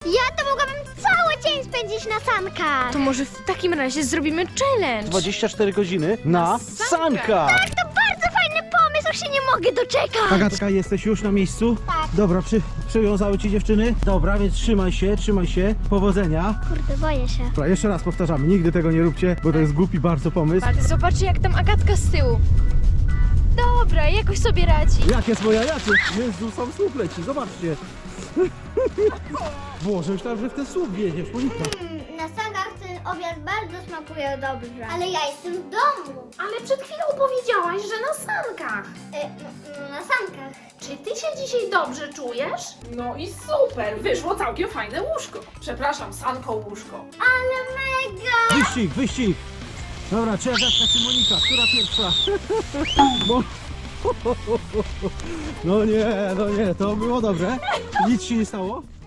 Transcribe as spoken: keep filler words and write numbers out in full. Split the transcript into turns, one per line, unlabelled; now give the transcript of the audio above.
Ja to mogłabym cały dzień spędzić na sankach.
To może w takim razie zrobimy challenge.
dwadzieścia cztery godziny na sankach.
Tak, to bardzo fajny pomysł, już się nie mogę doczekać.
Agatka, jesteś już na miejscu?
Tak.
Dobra, przy, przywiązały ci dziewczyny? Dobra, więc trzymaj się, trzymaj się. Powodzenia.
Kurde, boję się.
Dobra, jeszcze raz powtarzamy, nigdy tego nie róbcie, bo to jest głupi bardzo pomysł.
Patrz, zobaczcie jak tam Agatka z tyłu. Dobra, jakoś sobie radzi.
Jak jest moja jacie? Jezu, sam słup leci, zobaczcie. Boże, myślałem, że w ten słup wjedziesz, Monika.
Mm, na sankach ten obiad bardzo smakuje dobrze. Ale ja jestem w domu.
Ale przed chwilą powiedziałaś, że na sankach.
E, no, no, na sankach.
Czy ty się dzisiaj dobrze czujesz? No i super, wyszło całkiem fajne łóżko. Przepraszam, sanko łóżko.
Ale mega!
Wyścig, wyścig. Dobra, czy Agatka, czy Monika? Która pierwsza? Bo... No nie, no nie, to było dobre. Nic się nie stało?